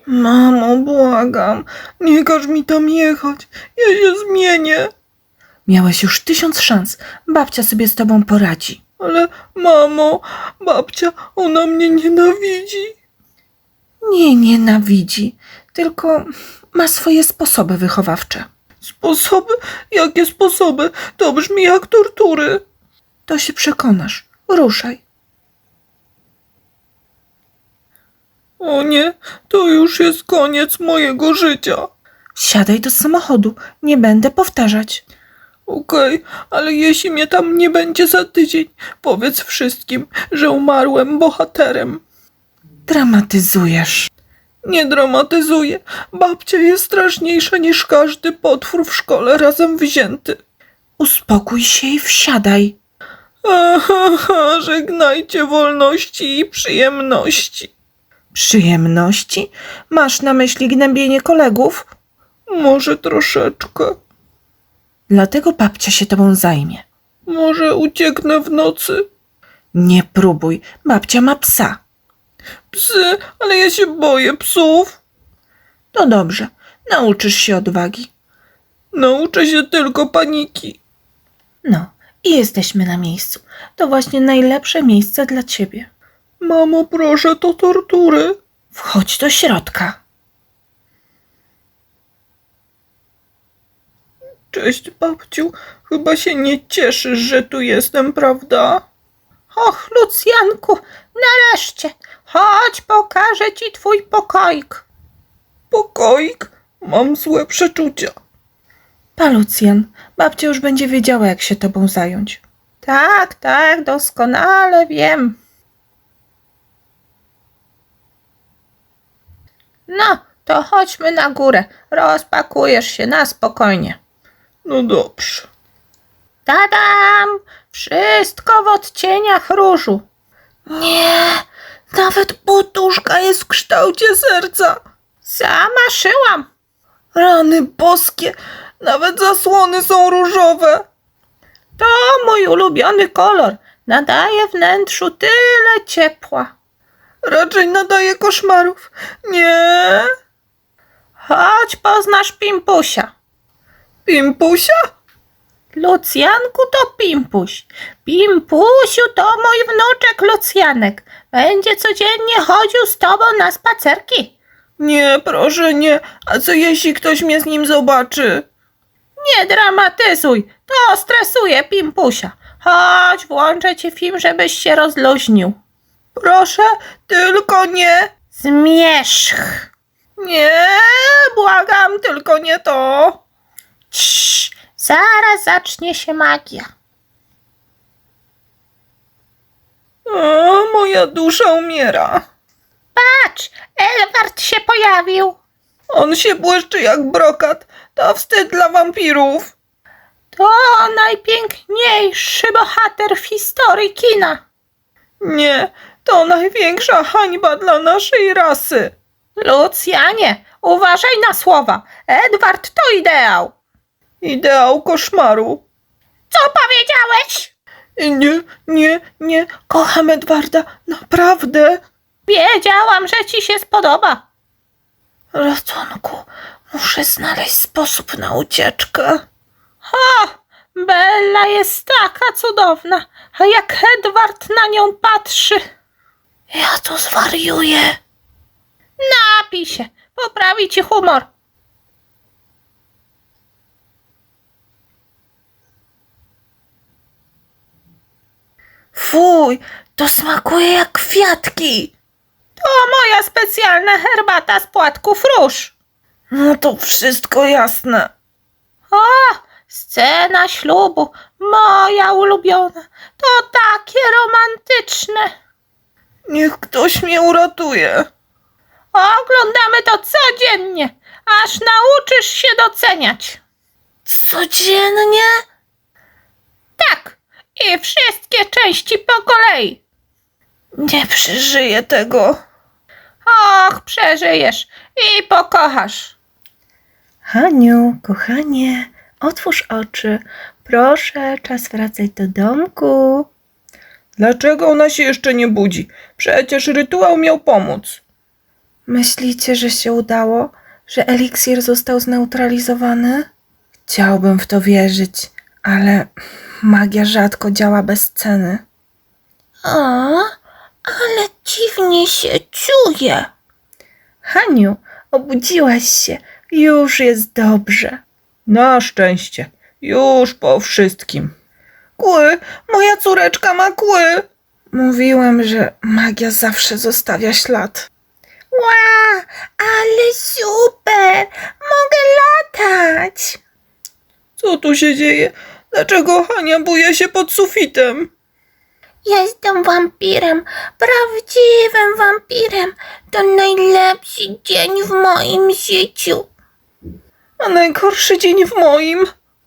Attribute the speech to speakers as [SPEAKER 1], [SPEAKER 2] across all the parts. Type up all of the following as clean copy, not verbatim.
[SPEAKER 1] Mamo, błagam, nie każ mi tam jechać, ja się zmienię.
[SPEAKER 2] Miałeś już 1000 szans, babcia sobie z tobą poradzi.
[SPEAKER 1] Ale mamo, babcia, ona mnie nienawidzi.
[SPEAKER 2] Nie nienawidzi, tylko ma swoje sposoby wychowawcze.
[SPEAKER 1] Sposoby? Jakie sposoby? To brzmi jak tortury.
[SPEAKER 2] To się przekonasz. Ruszaj.
[SPEAKER 1] O nie, to już jest koniec mojego życia.
[SPEAKER 2] Wsiadaj do samochodu, nie będę powtarzać.
[SPEAKER 1] Okej, ale jeśli mnie tam nie będzie za tydzień, powiedz wszystkim, że umarłem bohaterem.
[SPEAKER 2] Dramatyzujesz.
[SPEAKER 1] Nie dramatyzuję. Babcia jest straszniejsza niż każdy potwór w szkole razem wzięty.
[SPEAKER 2] Uspokój się i wsiadaj.
[SPEAKER 1] Aha, żegnajcie wolności i przyjemności.
[SPEAKER 2] Przyjemności? Masz na myśli gnębienie kolegów?
[SPEAKER 1] Może troszeczkę.
[SPEAKER 2] Dlatego babcia się tobą zajmie.
[SPEAKER 1] Może ucieknę w nocy.
[SPEAKER 2] Nie próbuj, babcia ma psa.
[SPEAKER 1] Psy, ale ja się boję psów.
[SPEAKER 2] To dobrze, nauczysz się odwagi.
[SPEAKER 1] Nauczę się tylko paniki.
[SPEAKER 2] No, i jesteśmy na miejscu. To właśnie najlepsze miejsce dla ciebie.
[SPEAKER 1] Mamo, proszę, to tortury.
[SPEAKER 2] Wchodź do środka.
[SPEAKER 1] Cześć, babciu. Chyba się nie cieszysz, że tu jestem, prawda?
[SPEAKER 2] Och, Lucjanku, nareszcie. Chodź, pokażę ci twój pokoik.
[SPEAKER 1] Pokoik? Mam złe przeczucia.
[SPEAKER 2] Pa, Lucjan, babcia już będzie wiedziała, jak się tobą zająć. Tak, tak, doskonale wiem. No, to chodźmy na górę. Rozpakujesz się na spokojnie.
[SPEAKER 1] No dobrze.
[SPEAKER 2] Tadam! Wszystko w odcieniach różu.
[SPEAKER 1] Nie, nawet poduszka jest w kształcie serca.
[SPEAKER 2] Sama szyłam.
[SPEAKER 1] Rany boskie, nawet zasłony są różowe.
[SPEAKER 2] To mój ulubiony kolor. Nadaje wnętrzu tyle ciepła.
[SPEAKER 1] Raczej nadaje koszmarów. Nie.
[SPEAKER 2] Chodź, poznasz Pimpusia.
[SPEAKER 1] Pimpusia?
[SPEAKER 2] Lucjanku to Pimpuś. Pimpusiu to mój wnuczek Lucjanek. Będzie codziennie chodził z tobą na spacerki.
[SPEAKER 1] Nie, proszę nie. A co jeśli ktoś mnie z nim zobaczy?
[SPEAKER 2] Nie dramatyzuj. To stresuje Pimpusia. Chodź, włączę ci film, żebyś się rozluźnił.
[SPEAKER 1] Proszę, tylko nie.
[SPEAKER 2] Zmierzch.
[SPEAKER 1] Nie, błagam, tylko nie to.
[SPEAKER 2] Cii, zaraz zacznie się magia.
[SPEAKER 1] O, moja dusza umiera.
[SPEAKER 2] Patrz, Edward się pojawił.
[SPEAKER 1] On się błyszczy jak brokat. To wstyd dla wampirów.
[SPEAKER 2] To najpiękniejszy bohater w historii kina.
[SPEAKER 1] Nie, to największa hańba dla naszej rasy.
[SPEAKER 2] Lucjanie, uważaj na słowa. Edward to ideał.
[SPEAKER 1] Ideał koszmaru.
[SPEAKER 2] Co powiedziałeś?
[SPEAKER 1] Nie, kocham Edwarda, naprawdę.
[SPEAKER 2] Wiedziałam, że ci się spodoba.
[SPEAKER 1] Ratunku, muszę znaleźć sposób na ucieczkę.
[SPEAKER 2] O, Bella jest taka cudowna, a jak Edward na nią patrzy.
[SPEAKER 1] Ja tu zwariuję.
[SPEAKER 2] Napij się, poprawi ci humor.
[SPEAKER 1] Fuj, to smakuje jak kwiatki.
[SPEAKER 2] To moja specjalna herbata z płatków róż.
[SPEAKER 1] No to wszystko jasne.
[SPEAKER 2] O, scena ślubu, moja ulubiona. To takie romantyczne.
[SPEAKER 1] Niech ktoś mnie uratuje.
[SPEAKER 2] Oglądamy to codziennie, aż nauczysz się doceniać.
[SPEAKER 1] Codziennie?
[SPEAKER 2] Tak, i wszystkie części po kolei.
[SPEAKER 1] Nie przeżyję tego.
[SPEAKER 2] Och, przeżyjesz i pokochasz.
[SPEAKER 3] Haniu, kochanie, otwórz oczy. Proszę, czas wracać do domku.
[SPEAKER 1] Dlaczego ona się jeszcze nie budzi? Przecież rytuał miał pomóc.
[SPEAKER 3] Myślicie, że się udało? Że eliksir został zneutralizowany? Chciałbym w to wierzyć, ale magia rzadko działa bez ceny.
[SPEAKER 2] O, ale dziwnie się czuję.
[SPEAKER 3] Haniu, obudziłaś się. Już jest dobrze.
[SPEAKER 1] Na szczęście. Już po wszystkim. Kły! Moja córeczka ma kły!
[SPEAKER 3] Mówiłem, że magia zawsze zostawia ślad.
[SPEAKER 2] Ła, ale super! Mogę latać!
[SPEAKER 1] Co tu się dzieje? Dlaczego Hania buje się pod sufitem?
[SPEAKER 2] Jestem wampirem, prawdziwym wampirem. To najlepszy dzień w moim życiu.
[SPEAKER 1] A najgorszy dzień w moim.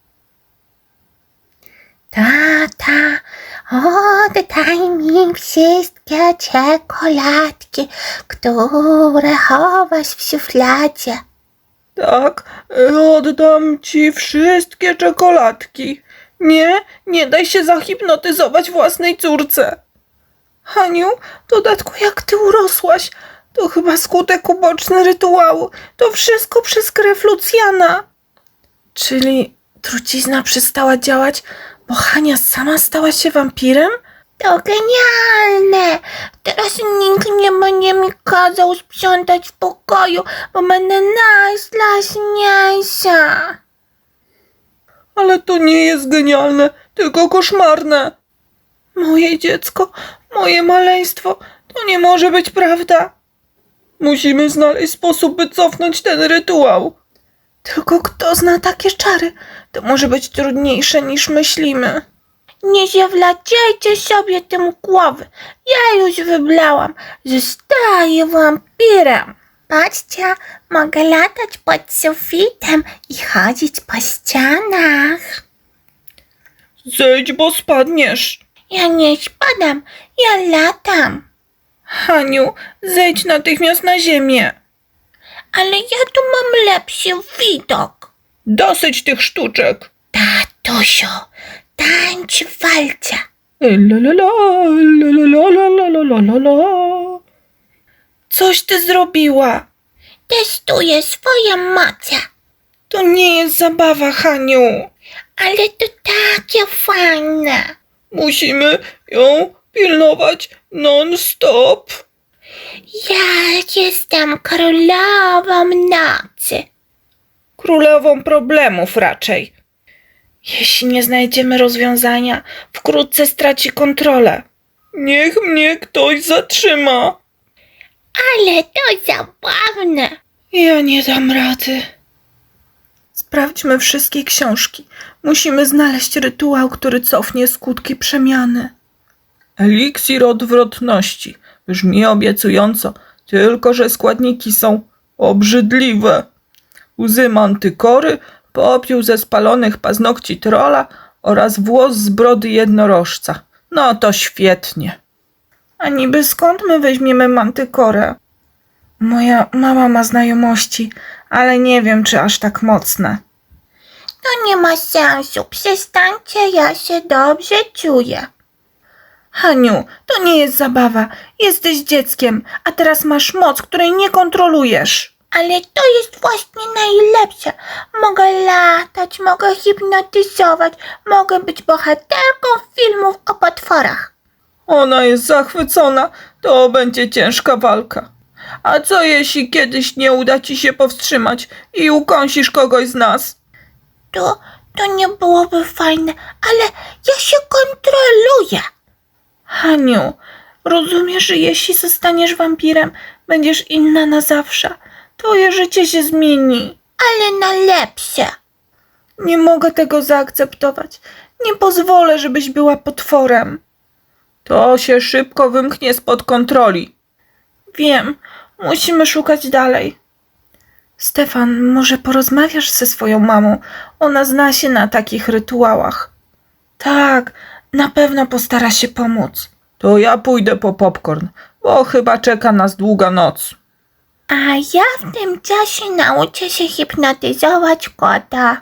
[SPEAKER 2] Tata, oddaj mi wszystkie czekoladki, które chowasz w szufladzie.
[SPEAKER 1] Tak, oddam ci wszystkie czekoladki. Nie daj się zahipnotyzować własnej córce. Haniu, w dodatku jak ty urosłaś, to chyba skutek uboczny rytuału. To wszystko przez krew Lucjana.
[SPEAKER 3] Czyli trucizna przestała działać, bo Hania sama stała się wampirem?
[SPEAKER 2] To genialne! Teraz nikt nie będzie mi kazał sprzątać w pokoju, bo będę najstraszniejsza.
[SPEAKER 1] Ale to nie jest genialne, tylko koszmarne. Moje dziecko, moje maleństwo, to nie może być prawda. Musimy znaleźć sposób, by cofnąć ten rytuał.
[SPEAKER 3] Tylko kto zna takie czary? To może być trudniejsze niż myślimy.
[SPEAKER 2] Nie zawlacajcie sobie tym głowy. Ja już wyblałam. Zostaję wampirem. Patrzcie, mogę latać pod sufitem i chodzić po ścianach.
[SPEAKER 1] Zejdź, bo spadniesz.
[SPEAKER 2] Ja nie spadam, ja latam.
[SPEAKER 1] Haniu, zejdź natychmiast na ziemię.
[SPEAKER 2] Ale ja tu mam lepszy widok.
[SPEAKER 1] Dosyć tych sztuczek.
[SPEAKER 2] Tatusiu, tańcz w walce.
[SPEAKER 1] Coś ty zrobiła.
[SPEAKER 2] Testuję swoje moce.
[SPEAKER 1] To nie jest zabawa, Haniu.
[SPEAKER 2] Ale to takie fajne.
[SPEAKER 1] Musimy ją pilnować non-stop.
[SPEAKER 2] Ja jestem królową nocy.
[SPEAKER 1] Królową problemów raczej.
[SPEAKER 3] Jeśli nie znajdziemy rozwiązania, wkrótce straci kontrolę.
[SPEAKER 1] Niech mnie ktoś zatrzyma.
[SPEAKER 2] Ale to zabawne.
[SPEAKER 3] Ja nie dam rady. Sprawdźmy wszystkie książki. Musimy znaleźć rytuał, który cofnie skutki przemiany.
[SPEAKER 1] Eliksir odwrotności. Brzmi obiecująco, tylko że składniki są obrzydliwe. Łzy mantykory, popiół ze spalonych paznokci trola oraz włos z brody jednorożca. No to świetnie.
[SPEAKER 3] A niby skąd my weźmiemy mantykorę? Moja mama ma znajomości, ale nie wiem, czy aż tak mocne.
[SPEAKER 2] To nie ma sensu. Przestańcie, ja się dobrze czuję.
[SPEAKER 3] Haniu, to nie jest zabawa. Jesteś dzieckiem, a teraz masz moc, której nie kontrolujesz.
[SPEAKER 2] Ale to jest właśnie najlepsze. Mogę latać, mogę hipnotyzować, mogę być bohaterką filmów o potworach.
[SPEAKER 1] Ona jest zachwycona, to będzie ciężka walka. A co jeśli kiedyś nie uda ci się powstrzymać i ukąsisz kogoś z nas?
[SPEAKER 2] To nie byłoby fajne, ale ja się kontroluję.
[SPEAKER 3] Haniu, rozumiesz, że jeśli zostaniesz wampirem, będziesz inna na zawsze. Twoje życie się zmieni.
[SPEAKER 2] Ale na lepsze.
[SPEAKER 3] Nie mogę tego zaakceptować. Nie pozwolę, żebyś była potworem.
[SPEAKER 1] To się szybko wymknie spod kontroli.
[SPEAKER 3] Wiem, musimy szukać dalej. Stefan, może porozmawiasz ze swoją mamą? Ona zna się na takich rytuałach. Tak, na pewno postara się pomóc.
[SPEAKER 1] To ja pójdę po popcorn, bo chyba czeka nas długa noc.
[SPEAKER 2] A ja w tym czasie nauczę się hipnotyzować kota.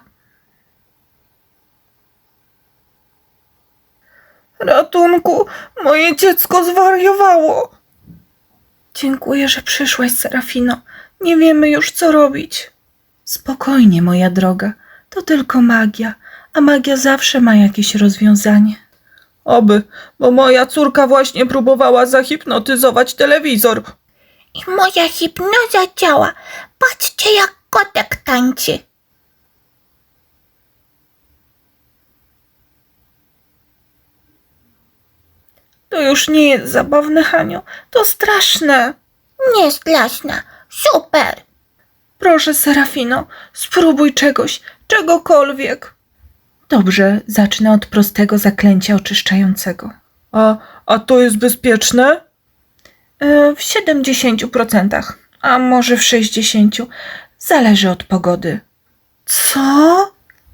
[SPEAKER 1] Ratunku, moje dziecko zwariowało.
[SPEAKER 3] Dziękuję, że przyszłaś, Serafino. Nie wiemy już, co robić. Spokojnie, moja droga. To tylko magia, a magia zawsze ma jakieś rozwiązanie. Oby, bo moja córka właśnie próbowała zahipnotyzować telewizor.
[SPEAKER 2] I moja hipnoza działa. Patrzcie, jak kotek tańczy.
[SPEAKER 3] To już nie jest zabawne, Haniu. To straszne.
[SPEAKER 2] Nie straszna. Super.
[SPEAKER 3] Proszę, Serafino, spróbuj czegokolwiek. Dobrze, zacznę od prostego zaklęcia oczyszczającego. A to jest bezpieczne? W 70%, a może w 60%. Zależy od pogody. Co?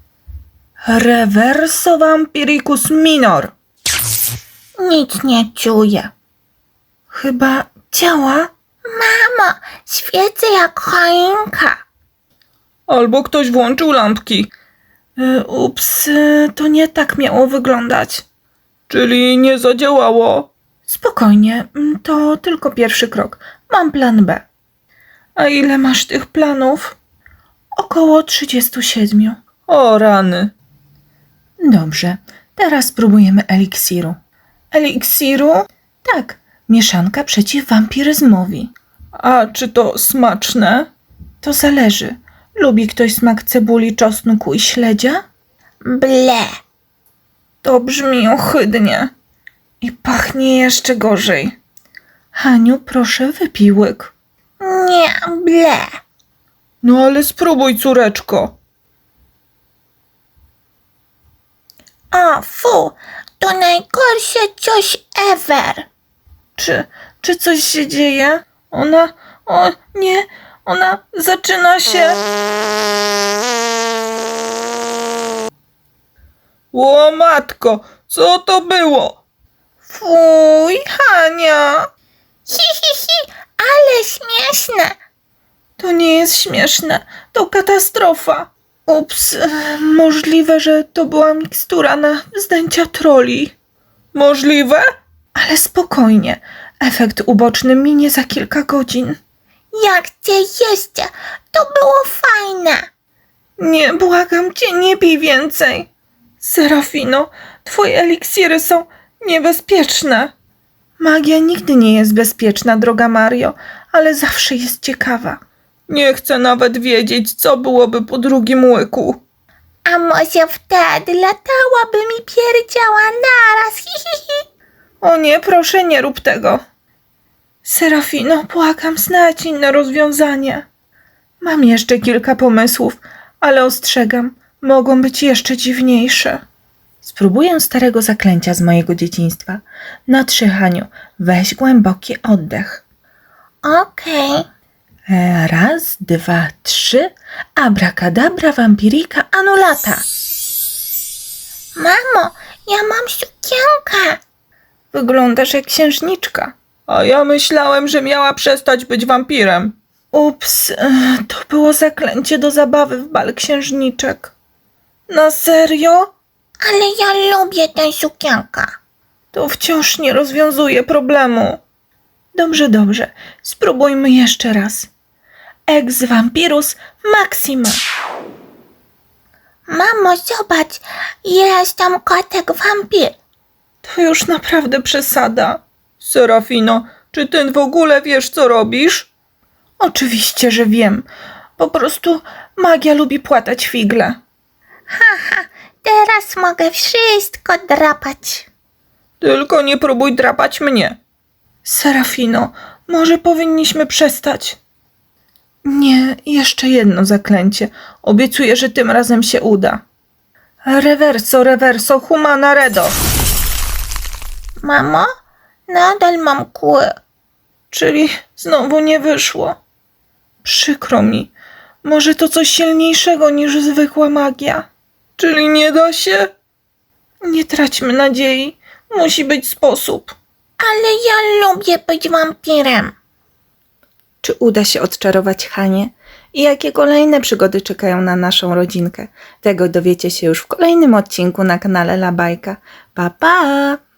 [SPEAKER 3] Reverso Vampiricus Minor.
[SPEAKER 2] Nic nie czuję.
[SPEAKER 3] Chyba działa?
[SPEAKER 2] Mamo, świecę jak choinka.
[SPEAKER 3] Albo ktoś włączył lampki. Ups, to nie tak miało wyglądać. Czyli nie zadziałało? Spokojnie, to tylko pierwszy krok. Mam plan B. A ile masz tych planów? Około 37. O rany. Dobrze, teraz spróbujemy eliksiru. Eliksiru? Tak, mieszanka przeciw wampiryzmowi. A czy to smaczne? To zależy. Lubi ktoś smak cebuli, czosnku i śledzia?
[SPEAKER 2] Ble.
[SPEAKER 3] To brzmi ohydnie. I pachnie jeszcze gorzej. Haniu, proszę, wypij łyk.
[SPEAKER 2] Nie, ble.
[SPEAKER 3] No ale spróbuj, córeczko.
[SPEAKER 2] O, fu, to najgorsze coś ever.
[SPEAKER 3] Czy coś się dzieje? O nie, ona zaczyna się... O matko, co to było? Fuj, Hania.
[SPEAKER 2] Hi, ale śmieszne.
[SPEAKER 3] To nie jest śmieszne, to katastrofa. Ups, możliwe, że to była mikstura na zdjęcia troli. Możliwe? Ale spokojnie, efekt uboczny minie za kilka godzin.
[SPEAKER 2] Jak cię jeszcze, to było fajne.
[SPEAKER 3] Nie, błagam cię, nie pij więcej. Serafino, twoje eliksiry są niebezpieczne. Magia nigdy nie jest bezpieczna, droga Mario, ale zawsze jest ciekawa. Nie chcę nawet wiedzieć, co byłoby po drugim łyku.
[SPEAKER 2] A może wtedy latałaby mi pierdziała naraz. Hi.
[SPEAKER 3] O nie, proszę, nie rób tego. Serafino, błagam, znajdź inne rozwiązanie. Mam jeszcze kilka pomysłów, ale ostrzegam, mogą być jeszcze dziwniejsze. Spróbuję starego zaklęcia z mojego dzieciństwa. Na 3, Haniu, weź głęboki oddech.
[SPEAKER 2] Okej.
[SPEAKER 3] 1, 2, 3. Abracadabra vampirica annulata.
[SPEAKER 2] Mamo, ja mam sukienkę.
[SPEAKER 3] Wyglądasz jak księżniczka. A ja myślałem, że miała przestać być wampirem. Ups, to było zaklęcie do zabawy w bal księżniczek. Na serio?
[SPEAKER 2] Ale ja lubię tę sukienkę.
[SPEAKER 3] To wciąż nie rozwiązuje problemu. Dobrze, spróbujmy jeszcze raz. Ex vampirus maxima.
[SPEAKER 2] Mamo, zobacz, jest tam kotek wampir.
[SPEAKER 3] To już naprawdę przesada. Serafino, czy ty w ogóle wiesz, co robisz? Oczywiście, że wiem. Po prostu magia lubi płatać figle.
[SPEAKER 2] Teraz mogę wszystko drapać.
[SPEAKER 3] Tylko nie próbuj drapać mnie. Serafino, może powinniśmy przestać? Nie, jeszcze jedno zaklęcie. Obiecuję, że tym razem się uda. Reverso, humana redo.
[SPEAKER 2] Mamo, nadal mam kły.
[SPEAKER 3] Czyli znowu nie wyszło. Przykro mi. Może to coś silniejszego niż zwykła magia. Czyli nie da się? Nie traćmy nadziei. Musi być sposób.
[SPEAKER 2] Ale ja lubię być wampirem.
[SPEAKER 3] Czy uda się odczarować Hanię? I jakie kolejne przygody czekają na naszą rodzinkę? Tego dowiecie się już w kolejnym odcinku na kanale La Bajka. Pa, pa!